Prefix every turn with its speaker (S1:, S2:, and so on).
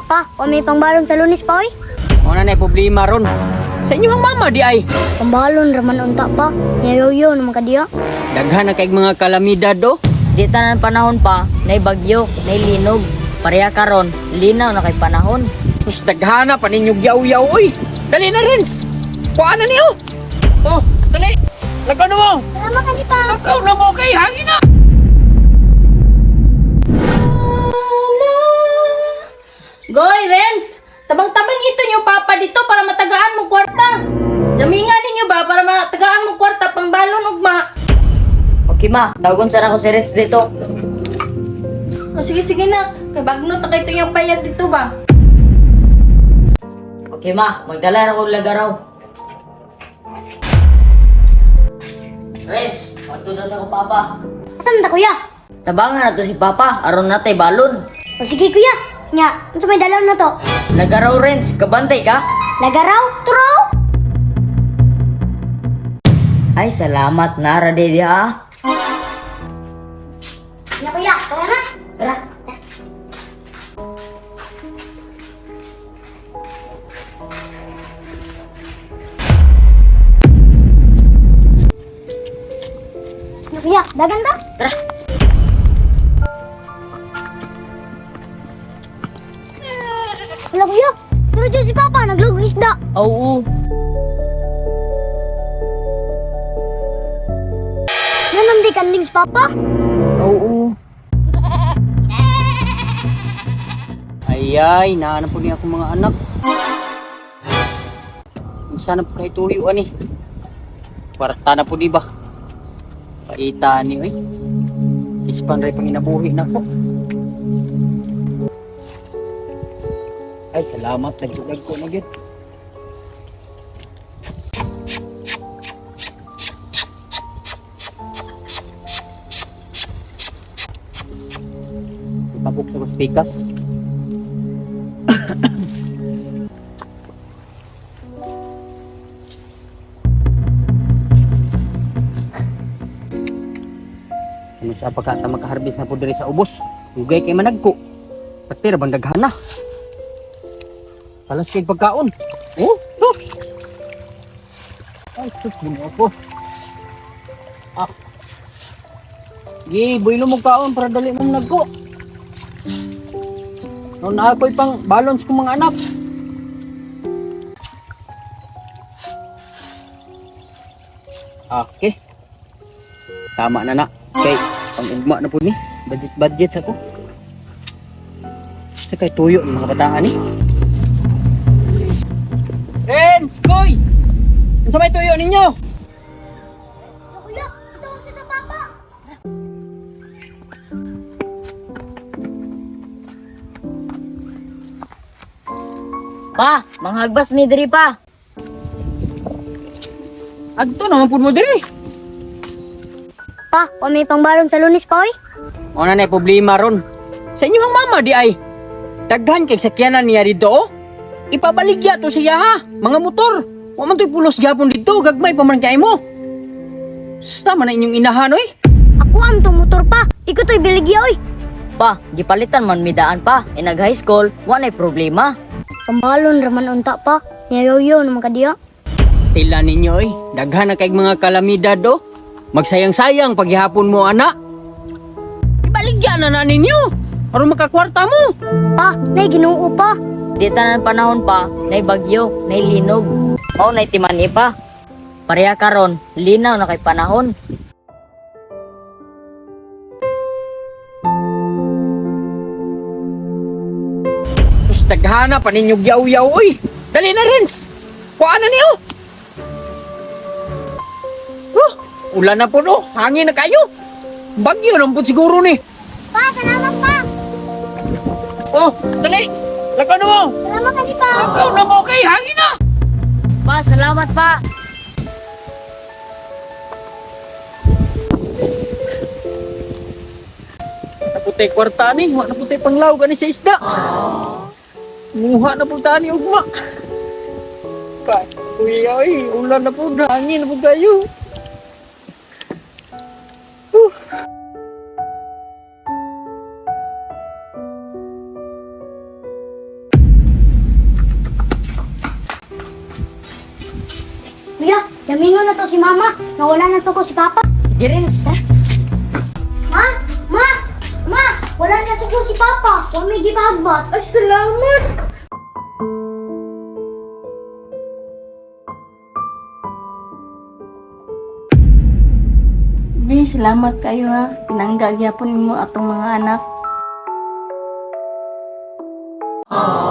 S1: Pa, o may pangbalon sa Lunes pa, oy.
S2: Ano na problema ron? Sa inyong mama di ay.
S1: Pambalon raman unta pa. Yayo-yo naman ka diya.
S2: Daghan na kay mga kalamidad do.
S3: Di tanan panahon pa, nay bagyo, nay linog. Pareha karon, linaw na kay panahon.
S2: Sus daghan na pa ninyong yaw-yaw oy. Dali na Renz. Kuha na niyo. Oh, dali. Lagano mo.
S1: Salamat ka ni pa.
S2: Lagaw na mo kay hangin na.
S3: Goy, Renz! Tabang-tabang ito niyo papa dito para matagaan mo kwarta. Jamingan ninyo ba para matagaan mo kwarta pang balon ugma? Okay ma, tawagon sana ko si Renz dito. O sige na, kay bagnot na kayo yung payag dito ba? Okay ma, magdala na ko lagaraw. Renz, matulad ako papa.
S1: Asan ta kuya?
S3: Tabangan na to si papa, aron natay balon.
S1: O sige kuya. Nya, unsa may dalaw na to?
S3: Lagaraw Renz, kabantay ka?
S1: Lagaraw, turaw.
S3: Ay, salamat na, Radedi ha.
S1: Nya kuya, tara na.
S3: Tara.
S1: Nya kuya, dagan ta?
S3: Tara.
S1: Wala kuya. Pero dyan si Papa, naglog isda.
S3: Oo.
S1: Nanam di kanding si Papa.
S3: Oo.
S2: Ayay, nahanap po niya akong mga anak. Sana po kayo tuyo ani. Kwarta na po di ba? Paita ni oy. Ispan ray pang inabuhi na ko. Ay, salamat. Nagsulag ko na gid. Ipabok sa pikas. Ano siya pagkata makaharbis na po diri sa ubos. Ugay kay managko. Pati ra bang daghana. Palas kay pagkaon. Oh, sus. Ay, sus, gino ako. Ah. Gi, builo mo kaon para dali mong nagko. No na ako'y pang balance kong mga anak. Okay. Tama na na. Okay, pang ugma na po ni. Budget sa ko. Sa kay tuyo ng mga bataan ni. Renz, Koy! Ano sa may tuyo ninyo?
S1: Kuya, ito, ito, Papa.
S3: Pa, manghagbas mi diri pa.
S2: Agto naman po mo diri.
S1: Pa, o may pangbalon sa Lunes pa, oy.
S2: Ano na problema ron? Sa inyong mama di ay. Daghan kay sakyanan niya dito oh. Ipabaligya to siya ha. Mga motor. Wa man to'y pulos gapon dito. Gagmay pa man kay mo. Sama na inyong inahan oy.
S1: Ako ang tong motor pa. Ikaw to'y biligya, oy.
S3: Pa, gipalitan man midaan pa. Inag high school, wanay problema.
S1: Pambalon raman unta pa. Yayo-yo naman ka diya.
S2: Tila ninyo oy. Daghan na kay mga kalamidad do. Magsayang-sayang paghihapon mo ana. Ibaligya na ninyo. Aron makakwarta mo.
S1: Pa, nay Ginoo pa.
S3: Di tanan panahon pa, nay bagyo, nay linog. Mao nay timani pa. Pareha karon, linaw na kay panahon.
S2: Sus daghana pa ninyong yaw-yaw oy. Dali na Renz. Kuha na niyo. Ulan na po no. Hangin na kayo. Bagyo lang po siguro ni.
S1: Pa, salamat pa.
S2: Oh, dali. Lakaw na mo.
S1: Salamat ka ni pa.
S2: Lakaw na mo kay hangin na.
S3: Pa, salamat pa.
S2: Naputay kwarta ni. Wa naputay panglaw gani sa isda. Muha na po tani ugma. Pa, kuya ay. Ulan na po. Hangin na po kayo.
S1: Kuya, jamingon na to si Mama. Nawala na suko si Papa.
S2: Sige, Renz, ha?
S1: Ma! Ma! Ma! Wala na suko si Papa. Huwag may gipagbas.
S3: Ay, salamat! Bi, salamat kayo ha. Pinangga gyapon mo atong mga anak.